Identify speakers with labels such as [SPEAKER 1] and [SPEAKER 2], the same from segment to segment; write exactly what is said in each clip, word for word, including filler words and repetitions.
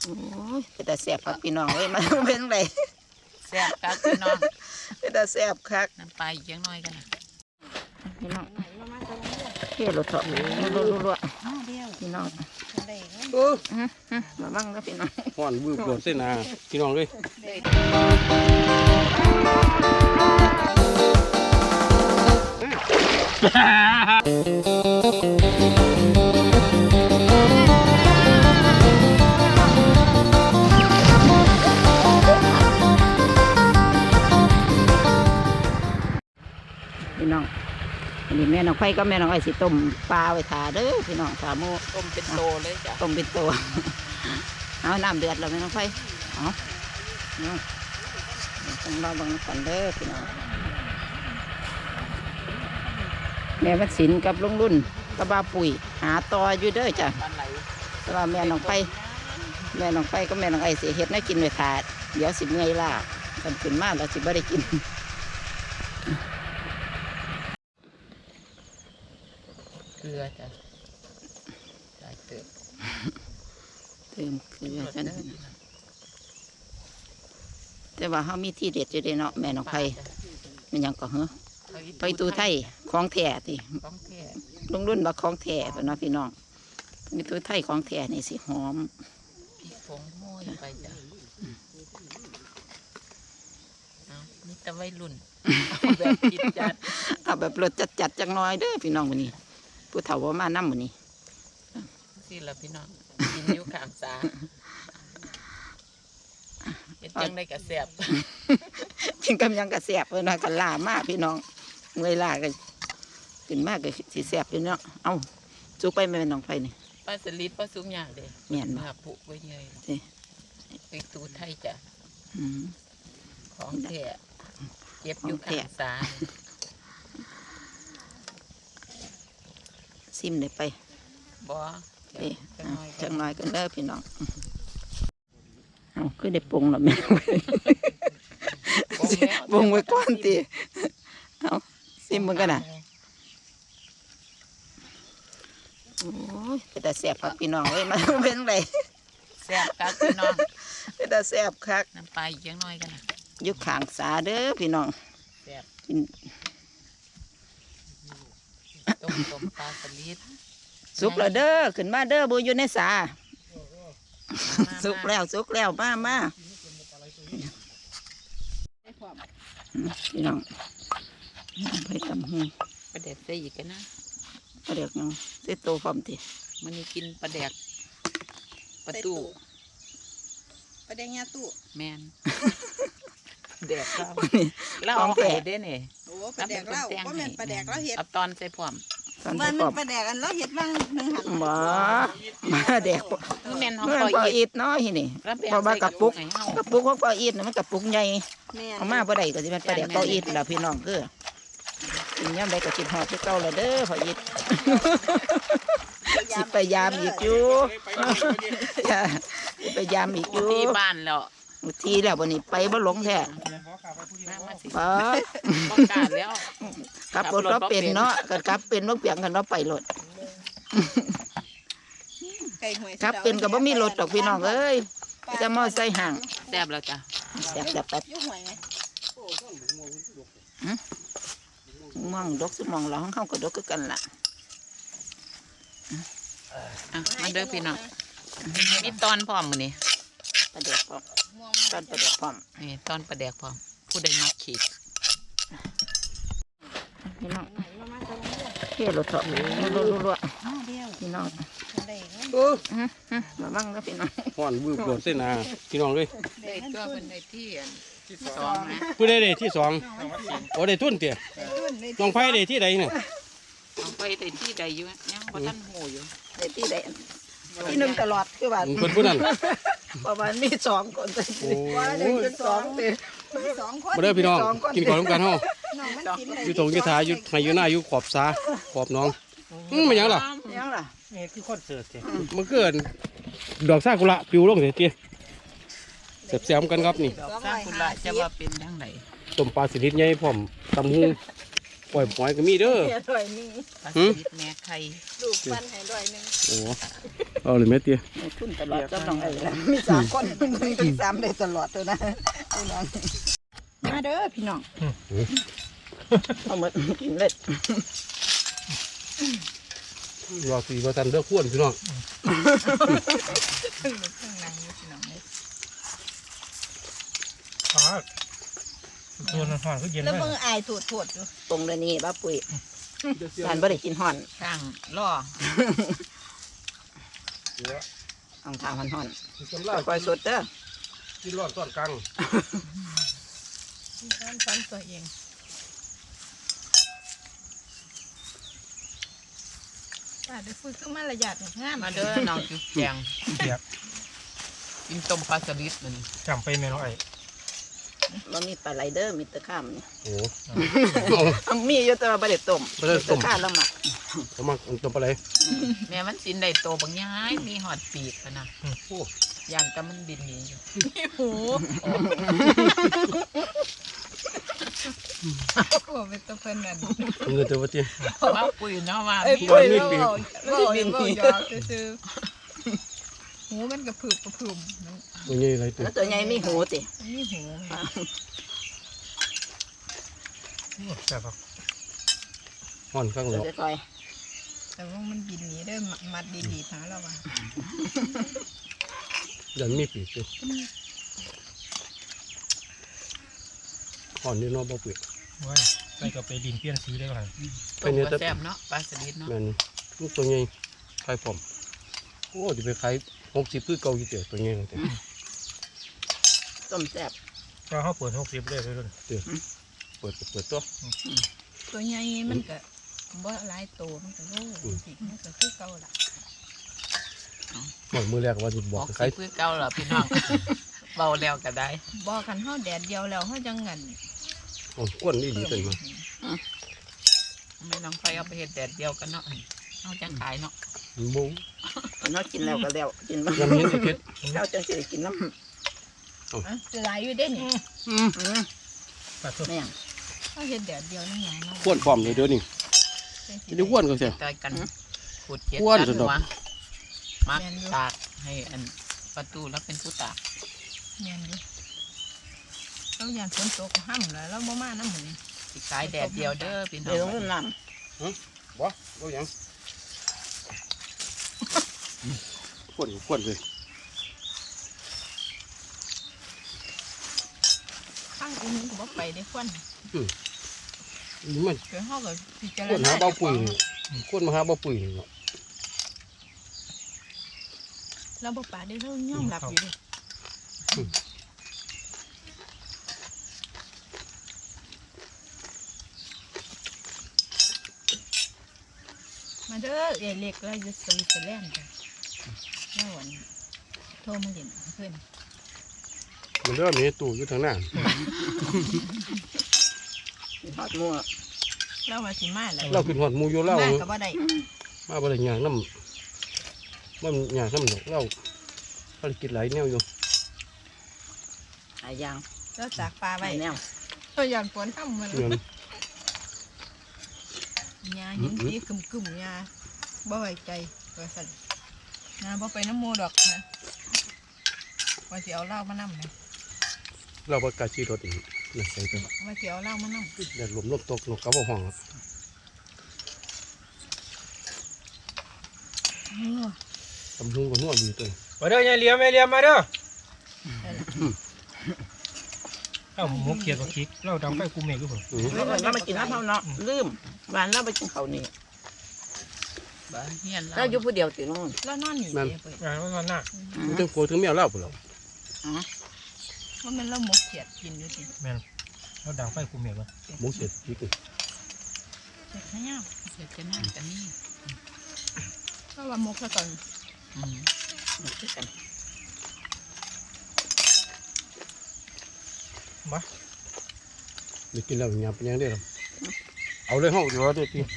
[SPEAKER 1] โอ้ยเป็นแต่แสบครับพี่น้องเอ้ยมาเป็นไร
[SPEAKER 2] แซ่บครับพี่น้อง
[SPEAKER 1] เป็นแต่แสบคัก
[SPEAKER 2] น้ำปลาอีกยังน้อยกันนะ
[SPEAKER 1] พี่น้องเที่ยวรถเถาะรัวรัวพี่น้อง
[SPEAKER 3] เออ
[SPEAKER 1] มาบ้างนะพี่น้อง
[SPEAKER 3] ห่อนบืบโดดเส้นนาพี่น้องเลย
[SPEAKER 1] พี่น้องอันนี้แม่น้องไฟก็แม่น้องไอ้สิต้มปลาไว้ทาเด้อพี่น้องสามู
[SPEAKER 2] ต้มเป็นโตเลยจ้ะ
[SPEAKER 1] ต้มเป็นตัวเอาน้ำเดือดแล้วแม่น้องไฟเอาเนาะต้องรอบังกันเด้อพี่น้องแม่วัดศิลป์กับลุงรุ่นกับบาปุ๋ยหาต่ออยู่เด้อจ้ะแต่ว่าแม่น้องไฟแม่น้องไฟก็แม่น้องไอ้สิเฮ็ดให้กินไว้ทาเดี๋ยวสิเมื่อยล่ะกันขึ้นมาแล้วสิบ่ได้กิน
[SPEAKER 2] เกลือจ้ะใส่เติม
[SPEAKER 1] เติมเกลือกันแต่ว่าเขามีที่เด็ดอยู่เด้เนาะแม่น้องไผ่มันยังก็เหรอไปตูไทยของแท้ติลุงรุ่นว่าของแท้เนาะพี่น้องมีตูไทยของแท้นี่สิหอม
[SPEAKER 2] พริกผงโม้ยไปจ้ะเอานี่ตะไว้รุ่นแบบกินจัด
[SPEAKER 1] เอาแบบรสจัดๆจังน้อยเด้อพี่น้องวันนี้ผู้เฒ่าว่ามานั่มวันนี้
[SPEAKER 2] สิละพี่น้องกินอยู่ข้างสาเฮ็ดจังได้กระแสบ
[SPEAKER 1] กินกำยังกระแสบเลยนะกันล่ามากพี่น้องเมื่อยล่ากันกินมากก็สีแสบอยู่เนาะเอ้าจุกไปไม่เป็นน้องไฟนี่
[SPEAKER 2] ปลาสลิดปลาซุ้มยางเด้
[SPEAKER 1] เมียน
[SPEAKER 2] มาปุกไว้เยยไปตูไทยจ้ะของแท้เก็บอยู่ข้างสา
[SPEAKER 1] ซิมได้ไป
[SPEAKER 2] บ่
[SPEAKER 1] เอ๊ะจังน้อยกันเด้อพี่น้องเอาคือได้ปรุงแล้วแม่ปรุงไว้ก่อนตีเอาซิมมันกันนะโอ้ยเป็นแต่แสบครับพี่น้องเอ้ยมาเป็นไร
[SPEAKER 2] แซ่บครับพี่น้อง
[SPEAKER 1] เป็นแต่แสบคัก
[SPEAKER 2] น้ำปลาอีกยังน้อยกันนะ
[SPEAKER 1] ยุคขางสาเด้อพี่น้อง
[SPEAKER 2] แซ่บกินต้มต้มปลาสลิด
[SPEAKER 1] สุกแล้วเด้อขึ้นมาเด้อบุอยู่ในสาสุกแล้วสุกแล้วมามาพี่น้องไปตำหู
[SPEAKER 2] ปลาแดกได้อีกกันนะ
[SPEAKER 1] ปลาแดกยังได้โตพร้อมที
[SPEAKER 2] มันนี่กินปลาแดกปลาตู้
[SPEAKER 4] ปลาแดกยาตู้
[SPEAKER 2] แมนแดกเราเราเอาไปได้เนี่ย
[SPEAKER 4] โอ้ปลาแดกเราเพราะมันปลาแดกเราเห็ด
[SPEAKER 2] เอาตอนใส่พร้อม
[SPEAKER 4] มันมันปลาแดกอันเราเห็ดบ้างหนึ่งหัน
[SPEAKER 1] บ่มาแดก
[SPEAKER 2] แม่นเขา
[SPEAKER 1] ปล่อยอีดน้อยนี่พอมากระปุกกระปุกของปล่อยอีดมันกระปุกใหญ่เอามาบ่ได้ก็จะเป็นปลาแดกปล่อยอีดแล้วพี่น้องคือกินย่ำใดก็กินหอดที่เก่าเลยเด้อปล่อยอีดสิไปยามอีกอยู่ไปยามอีกอยู่
[SPEAKER 2] ที่บ้านแล้ว
[SPEAKER 1] ทีแล้ววันนี้ไปบ่หลงแท้ไป
[SPEAKER 2] ต้องการแล้ว
[SPEAKER 1] ขับรถก็เป็นเนาะกันขับเป็นว่าเปียงกันเนาะไปรถขับเป็นกับบ่มีรถดอกพี่น้องเอ้ยจะมอไซค์ห่าง
[SPEAKER 2] แซ่บแล้วจ้ะ
[SPEAKER 1] แซ่บแบบแบบมองดกสมองเราของเขาก็ดกกันล่ะ
[SPEAKER 2] อ่ะมาเด้อพี่น้องมีตอนพร้อมมื้อนี้
[SPEAKER 1] ปลาแดกพร้อมตอนปลาแดกพร้อม
[SPEAKER 2] นี่ตอนปลาแดกพร้อมผู้ใดมักขีด
[SPEAKER 1] พี่น้องเที่ยวรถเถาะรัวรัวพี่น้อง
[SPEAKER 3] เออ
[SPEAKER 1] มาบ้างนะพี่น้อง
[SPEAKER 3] ห่อนบืบโดดเส้นนาพี่น้องเลย
[SPEAKER 2] ได้ตัวเป็นได้ที่สองนะ
[SPEAKER 3] ผู้ใดได้ที่สองโอ้ได้ทุ่นเตี๋ยน้องไผ่ได้ที่ใดเนี่ย
[SPEAKER 2] น้องไผ่ได้ที่ใดอยู่ยังบ่ทันหูอยู่
[SPEAKER 1] ได้ที่ใดที่หนึ่งตลอดคือว่า
[SPEAKER 3] คนผู้นั้น
[SPEAKER 1] ประมาณมีสองคนว่าหนึ่งเป็นสองเป็น
[SPEAKER 4] สองคน
[SPEAKER 3] มาเด้อพี่น้องกินก่อนร่วมกันเฮาอยู่ตรงยี่ถาอยู่ให้อยู่หน้าอยู่ขอบสาขอบน้องอืมมันยังล่ะ
[SPEAKER 1] ยังล่ะ
[SPEAKER 3] นี่คือคอนเสิร์ตเจ้มันเกิดดอกซากุระปิวลงเสียเจ้เสียบเสียมกันครับนี่
[SPEAKER 2] ดอกซากุระจะว่าเป็นยังไง
[SPEAKER 3] ต้มปลาสลิดใหญ่พร้อมตำหูปล่อยหอยก็มีเด้อ
[SPEAKER 1] ด้วยนี่
[SPEAKER 2] ปลาสลิดแม่ไข่
[SPEAKER 4] ดูปั้นให้ด้วยนึง
[SPEAKER 3] โอ้เอาเลยแม่เตี้ย
[SPEAKER 1] ในทุนตลอดกับน้องไอ้ละมีสามคนมันมีสามได้ตลอดตัวนะพี่น้องมาเด้อพี่น้องเอาหมดกินเล็ด
[SPEAKER 3] รอสีมาทันเด้อข้วนพี่น้อง
[SPEAKER 5] ฟ้าตัวนั้นห่อนก็เย็น
[SPEAKER 4] แล้ว
[SPEAKER 5] เลย
[SPEAKER 4] มึงอายถูดถูดอยู่
[SPEAKER 1] ตรงเลยนี่บ้าปุ๋ยทานบ่ได้กินห่อน
[SPEAKER 2] ข้างล่อ
[SPEAKER 1] เอาทางห่อนห่อน
[SPEAKER 3] กำลัง
[SPEAKER 1] คอยสดเด้อ
[SPEAKER 3] กินร้อนต้อนกลาง
[SPEAKER 4] ซ้อนซ้อนตัวเองป้าได้ฝึกขึ้นมาระยะงาม
[SPEAKER 2] มาเด้อน้องจุ๊บแจง
[SPEAKER 5] เสียบ
[SPEAKER 2] กินต้มปลาสลิดมัน
[SPEAKER 5] จำไปแม่น้องไอ้
[SPEAKER 1] บ่มีปลาไหลเด้อมีแตะข้ามนี่
[SPEAKER 3] โอ้
[SPEAKER 1] เอามีอยู่แต่ว่าบ่ได้ต้ม
[SPEAKER 3] บ่ได้ต้ม
[SPEAKER 1] แตะข้ามแล้วหมัก
[SPEAKER 3] สมัครตัวปลาไหล
[SPEAKER 2] แม่มันสินได้โตบางย้ายมีหอดปีกกันนะ
[SPEAKER 3] โอ้
[SPEAKER 2] ย่างแต่มันบินหนีอยู่
[SPEAKER 4] หู โอ้เป็นตัวเพิ่นนั่น
[SPEAKER 3] เงินตัวเตี้ย
[SPEAKER 2] ว่าปุยเนาะว่า
[SPEAKER 4] เอ้ย
[SPEAKER 2] พี่
[SPEAKER 4] ปุ้ย
[SPEAKER 3] มี
[SPEAKER 4] เรา
[SPEAKER 3] ปีก
[SPEAKER 4] เราบินหยอกซื่อๆหูมันกระพือกระพืม
[SPEAKER 3] ตัวใหญ่ไรตัว
[SPEAKER 1] แล้วตัวใหญ่มีหูติ
[SPEAKER 4] นี่หู
[SPEAKER 5] แซ่บครับ
[SPEAKER 3] ห่อนข้าง
[SPEAKER 1] เดี๋
[SPEAKER 3] แล้
[SPEAKER 1] ยว วจะคอย
[SPEAKER 4] แต่ว่ามันบินหนีได้มัดดีๆหาเราว่ะ
[SPEAKER 3] ยันมีปีกด้วยห่อนนี่น้องบ่เปลือก
[SPEAKER 5] ว้ายใส่กับไปดินเปลี่ยนสีได้ก่อน
[SPEAKER 2] ต้มก็แซ่บเนาะปลาสลิดเนาะ
[SPEAKER 3] แม่นลูกตัวใหญ่ขายผมโอ้ดิไปขายหกสิบคือเก่าอยู่เดียวตัวใหญ่เลย
[SPEAKER 1] ต้มแซ่บ
[SPEAKER 5] ก็เขาเปิดหกสิบเลยเลย
[SPEAKER 3] เปิดก็เปิดตัว
[SPEAKER 4] ตัวใหญ่มันก็บ่หลายโตมันก็โล่สิมันก็คือเก่าล่ะ
[SPEAKER 3] หมดมือแรกว่าจะบบ อ
[SPEAKER 2] อก ก
[SPEAKER 3] ขาย
[SPEAKER 2] สิเพื่อเก่าเหรอพี่น้อง เบาแล้วก็ได้
[SPEAKER 4] บ่กันเฮาแดดเดียวแล้วเฮาจังงั้น
[SPEAKER 3] โอ้ก้นนี่ดีเป็นมา
[SPEAKER 2] ไม่น้องไฟเอาไปเห็ดแดดเดียวกันเนาะเอาจังขายเนาะ
[SPEAKER 3] บุ้ง
[SPEAKER 1] เนาะกินแล้วก็แล้วกินบ่
[SPEAKER 3] ยำเห็นไอ้เพชร
[SPEAKER 1] เราจังสิได้กินน้ำ
[SPEAKER 4] อ่ะสิหลายอยู่เด้นี่
[SPEAKER 1] อืม
[SPEAKER 5] ตัดตัว
[SPEAKER 1] แม่ง
[SPEAKER 4] เฮาเฮ็ดแดดเดียวนั่นหยังเนาะ
[SPEAKER 3] ก้นพร้อมเลยเดี๋ยวนี้จะได้ก้นก็เสีย
[SPEAKER 2] ต่อยกันขูดเจ็ด
[SPEAKER 3] อ้วน
[SPEAKER 2] ตั
[SPEAKER 3] สุดดอก
[SPEAKER 2] หัวมักตากให้อันประตูแล้วเป็นผู้ตาก
[SPEAKER 4] แม่นอยู่เราย่านฝนตกห้ำแล้วเราบ่มานำหมื้นี้
[SPEAKER 2] สิขายแดดเดียวเด้อพี่น้
[SPEAKER 1] เดี๋ยว
[SPEAKER 2] อ
[SPEAKER 1] ต้อง งน้
[SPEAKER 3] บ่บ่ยังก้นก้นเลย
[SPEAKER 4] ข้างอื่นก็บ่ไปได้ควัน
[SPEAKER 3] นี่มัน
[SPEAKER 4] เดี๋ยวเฮาก็พิจาร
[SPEAKER 3] ก้น
[SPEAKER 4] ณา
[SPEAKER 3] หาเบาปุ๋ยนี่ก้นมาหาเบาปุ๋ยนี่เนาะ
[SPEAKER 4] เราบ่ปาได้เรายอมรับอยู่เด้มาเด้อเอเล็กเราอยู่สวิตเซอร์แลนด์จ้ะแล้ววันโทรมาเล่นเพิ่น
[SPEAKER 3] มันเริ่มมีตู้อยู่ทางหน้า
[SPEAKER 1] ำทอดมั่ว
[SPEAKER 4] เราว่าสิมาแล้ว
[SPEAKER 3] เราขึ้นหอดหมูอยู่เล่า
[SPEAKER 4] มาก็บ่ได้
[SPEAKER 3] มาบ่ได้หยางน้ำมันหยางน้ำดอกเล่าภารกิจหลายแนวอยู่
[SPEAKER 1] หายาง
[SPEAKER 4] เราตากปลา
[SPEAKER 1] ไป
[SPEAKER 4] ไว้
[SPEAKER 1] แนว
[SPEAKER 4] เราย่านฝนทำมัน
[SPEAKER 3] เงิน
[SPEAKER 4] ยาหินสีกึ่มๆยาบ่ไว้ใจว่าซั่นยาบ่ไปน้ำหมู่ดอกนะว่าสิเอาเหล้ามานำนะ
[SPEAKER 3] เราประกาศชีรถอีกนะใส่ไป
[SPEAKER 4] ว่าสิเอาเหล้ามานำ
[SPEAKER 3] แดดลมลมตกนกกระบอกห้อง
[SPEAKER 4] เออ
[SPEAKER 3] ตำหุงก็นวดอยู่ตัว
[SPEAKER 5] มาเด้อยายเหลียมยายเหลียมมาเด้อเอ้าหมูเขียดกับคิกเราดำไปกูเมฆด้วยผม
[SPEAKER 3] อือ
[SPEAKER 1] เราเรามากินน้ำเท่าเนาะลืมวานเราไปกินข้าวนี่
[SPEAKER 2] บ้านเฮียน
[SPEAKER 1] เรา
[SPEAKER 2] เรา
[SPEAKER 1] อยู่ผู้เดียวติน้อง
[SPEAKER 4] แล้วนอนนี่เด้เพิ่น
[SPEAKER 5] งานว่าหน้า
[SPEAKER 3] มันถึงโกถึงแมวเล่าไปแล้ว
[SPEAKER 4] ว่ามันเราหมกเขียดกินอยู่ติ
[SPEAKER 5] แม่นเราดังไปกูเมฆวะ
[SPEAKER 3] หมูเสร็จอีก
[SPEAKER 4] เขียดขยาว
[SPEAKER 2] เดี๋ยวจะนั่งกันนี่
[SPEAKER 4] ก็ว่าหมกซะก่อน
[SPEAKER 2] อืม
[SPEAKER 1] นี่คือกัน
[SPEAKER 5] มา
[SPEAKER 3] เดี๋ยวกินแล้วหยาบเป็นยังได้หรอเอาเลยห้องเดี๋ยวเดี๋ยวพี่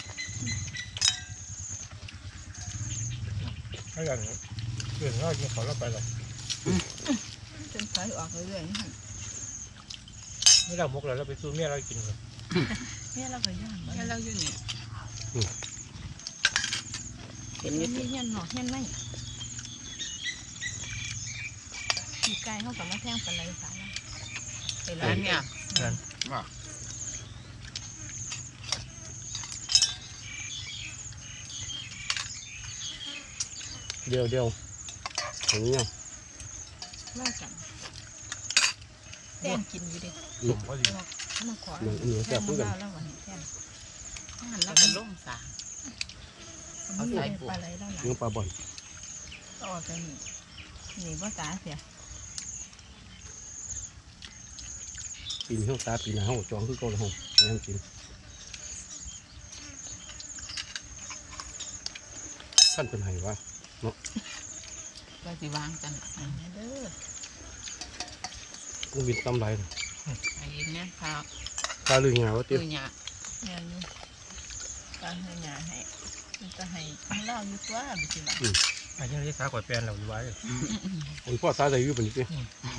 [SPEAKER 5] ให้กันเรื่องเรากินเขาเราไปหรอก
[SPEAKER 4] จนถอยออกเรื่อยๆนี่หั่น
[SPEAKER 5] ไม่เรามกแล้วเราไปซื้อเมียเรากินเลย
[SPEAKER 4] แม่เราก็ย่างบ่
[SPEAKER 2] แค่เราอยู่นี่
[SPEAKER 1] เห็นอยู่
[SPEAKER 4] มี
[SPEAKER 1] ติ
[SPEAKER 4] เฮียนหนอกเฮียนไหนปีกไก่เขากับมาแท่งปลาไหลสาระไป
[SPEAKER 2] ร้า
[SPEAKER 4] ร้าน น
[SPEAKER 2] เนี่ย
[SPEAKER 5] นั่น
[SPEAKER 3] เดียวเดียวอย่างนี้เนาะ
[SPEAKER 4] ว่ากันแท่งกินอยู่ดิ
[SPEAKER 5] สมพอดี
[SPEAKER 4] มาขอ
[SPEAKER 3] อย่างนี้
[SPEAKER 4] แท่
[SPEAKER 3] แซ่บ
[SPEAKER 4] ง
[SPEAKER 3] เพื่อน
[SPEAKER 4] มาแล้ววันนี้แท่ง
[SPEAKER 2] นั่นแล้วก็ล่มสา
[SPEAKER 4] เอาใส่ปลาไหลแล้วหลัง
[SPEAKER 3] เนื้อปลาบ่อน
[SPEAKER 4] ก็ออกกันนี่นี่ว่าตาเสีย
[SPEAKER 3] ปีนเท่าตาปีนหน้าห้องจองคือเก่าเลยห้องยังกินท่านเป็นไห้วะ
[SPEAKER 2] ก็สิวางกัน
[SPEAKER 4] อันนี้เด้อ
[SPEAKER 3] กุ้งบินตำไรเลย
[SPEAKER 2] ไอ้เนี่ยพา
[SPEAKER 3] ตาลือหงาวะ
[SPEAKER 2] ตื
[SPEAKER 3] เตี้ย
[SPEAKER 2] อเนี่ย
[SPEAKER 4] งานนี้การให้งานให้มันจะให้เล่าอยู่ตัวบิสิบ่ะ
[SPEAKER 5] อันนี้ที่สาขอดแปลนเราอยู่ไว้
[SPEAKER 3] คนพ่อตาใจอยู่ปานนี้เตี้ย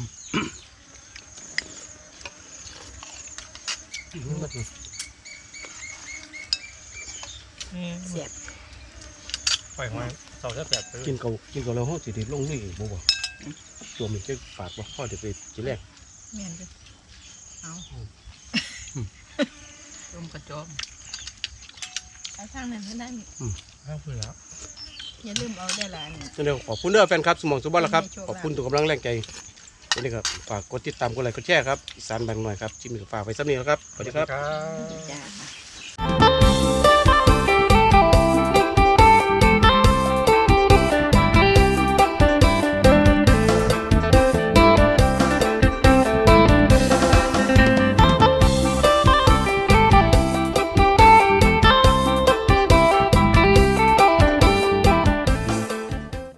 [SPEAKER 4] เสียบ
[SPEAKER 5] ปล่อยหอยเสาแซ่บไป
[SPEAKER 3] กินเก่ากินเก่าแล้วห้องสิไดิลงนี่บ่บ่ตัวมันจะปากบ่พ่อเดี๋ยวไปกินแรก
[SPEAKER 4] แม่นดิเอา
[SPEAKER 2] ต้มกระจอม
[SPEAKER 4] ไปทางนั้นเท่านั้น
[SPEAKER 5] ข้าวเปลือก
[SPEAKER 4] อย่าลืมเอาได้ละนี่
[SPEAKER 3] เดี๋ยวขอบคุณเด้อแฟนครับสมองสุบันละครับขอบคุณทุกกำลังแรงใจนี่ครับฝากกดติดตามกดไลค์กดแชร์ครับอีสานบางหน่อยครับที่มีฝากไว้ซ้ำนี้แล้วครับสวัสดีครับ
[SPEAKER 5] ครับ
[SPEAKER 4] จ้า